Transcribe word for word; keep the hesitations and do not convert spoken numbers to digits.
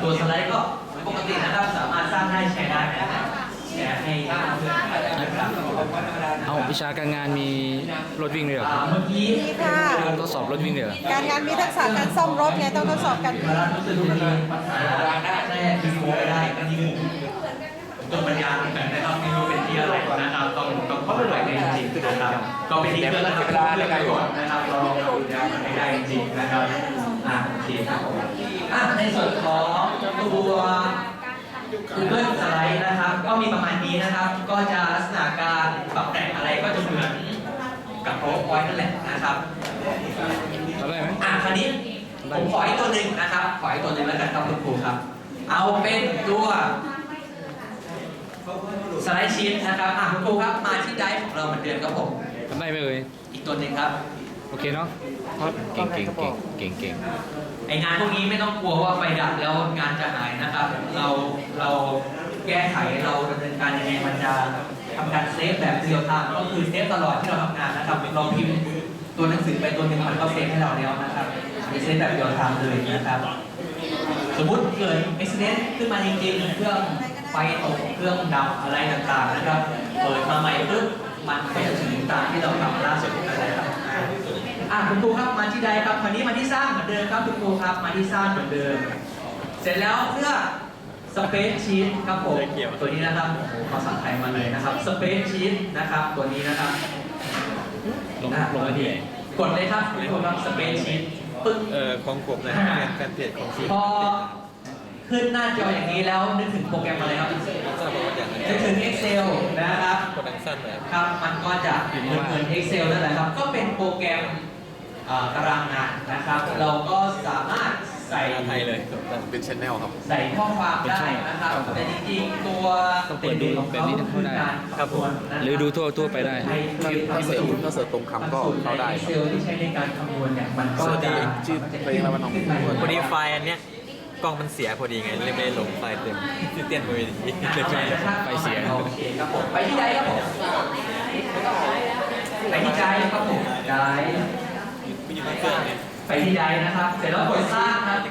ตัวสไลด์ก็ปกตินะครับสามารถสร้างได้แชร์ได้นะครับแชร์ให้เพื่อนๆนะครับเอาวิชาการงานมีรถวิ่งเลยเหรอครับเมื่อกี้มีค่ะทดสอบรถวิ่งเลยเหรอการงานมีทักษะการซ่อมรถไงต้องทดสอบกันเวลารู้สึกจะมีปัญหาแรกที่รู้ไม่ได้ก็ที่จนปัญญาเหมือนกันนะครับไม่รู้เป็นที่อะไรนะครับต้องต้องขอไปในจริงๆนะครับก็เป็นที่เพื่อนนะครับเพื่อนประโยชน์นะครับเราลองดูแลมันให้ได้จริงๆนะครับอ่าโอเคครับอ่ะในส่วนของตัว Google Slide นะครับก็มีประมาณนี้นะครับ ก็จะลักษณะการปรับแต่งอะไรก็จะเหมือนกับ PowerPoint นั่นแหละนะครับเอาได้ไหมอ่ะคราวนี้ผมขออีกตัวหนึ่งนะครับ ขออีกตัวหนึ่งแล้วกันครับคุณครูครับ เอาเป็นตัวสไลด์ชีทนะครับอ่ะคุณครูครับมาที่ไดฟ์ของเราเหมือนเดิมครับผมทำได้ไหมเอ่ยอีกตัวหนึ่งครับโอเคเนาะเก่งเก่งเก่งเก่งเก่งไองานพวกนี้ไม่ต้องกลัวว่าไฟดับแล้วงานจะหายนะครับ เราเราแก้ไขเราดำเนินการยังไงมันจะทำการเซฟแบบเรียลไทม์ก็คือเซฟตลอดที่เราทำงานนะครับเราพิมพ์ตัวหนังสือไปตัวหนึ่งมันก็เซฟให้เราแล้วนะครับเซฟแบบเรียลไทม์เลยนะครับ สมมุติเกิดอุบิเหตุขึ้นมาจริงๆเครื่องไฟตกเครื่องดับอะไรต่างๆนะครับ เปิดมาใหม่ปุ๊บมันก็จะถึงตามที่เราทำล่าสุดอะไรครับอ่ะคุณครูครับมาที่ใดครับคราวนี้มาที่สร้างเหมือนเดิมครับคุณครูครับมาที่สร้างเหมือนเดิม เสร็จแล้วเพื่อ Space Sheet ครับผมตัวนี้นะครับโอ้โหภาษาไทยมาเลยนะครับ Space Sheet นะครับตัวนี้นะครับลงลงไปที่ไหนกดเลยครับคุณครูครับ Space Sheet ปึ๊บเอ่อของผมนะเป็นแฟนเพจของซีพอขึ้นหน้าจออย่างนี้แล้วนึกถึงโปรแกรมอะไรครับทราบว่าอย่างนั้นนึกถึง Excel นะครับคนดังสั้นนะครับครับมันก็จะเหมือนเหมือน Excel นั่นแหละครับ ก็เป็นโปรแกรมเอ่อตารางงานนะครับ เราก็สามารถใส่ภาษาไทยเลยเป็นชแนลครับใส่ข้อความได้นะครับแต่จริงๆตัวต้องเปิดดูแบบนี้ถึงเข้าได้ครับผมหรือดูทั่วทั่วไปได้ถ้าถ้าเสิร์ชถ้าเสิร์ชตรงคำก็เข้าได้เซลที่ใช้ในการคำนวณเนี่ยมันก็สวัสดีจะชื่อเพลงอะไรวะน้องพอดีไฟล์อันเนี้ยกล้องมันเสียพอดีไงเลยไม่ได้ลงไฟล์เต็มที่เตี้ยนพอดีเลยไม่ได้ไฟเสียโอเคครับผมไปที่ใดครับผมไปที่ใจครับผมใจไม่อยู่ในเครื่องเนี่ยไปที่ใดนะครับ เสร็จแล้วกดสร้างครับ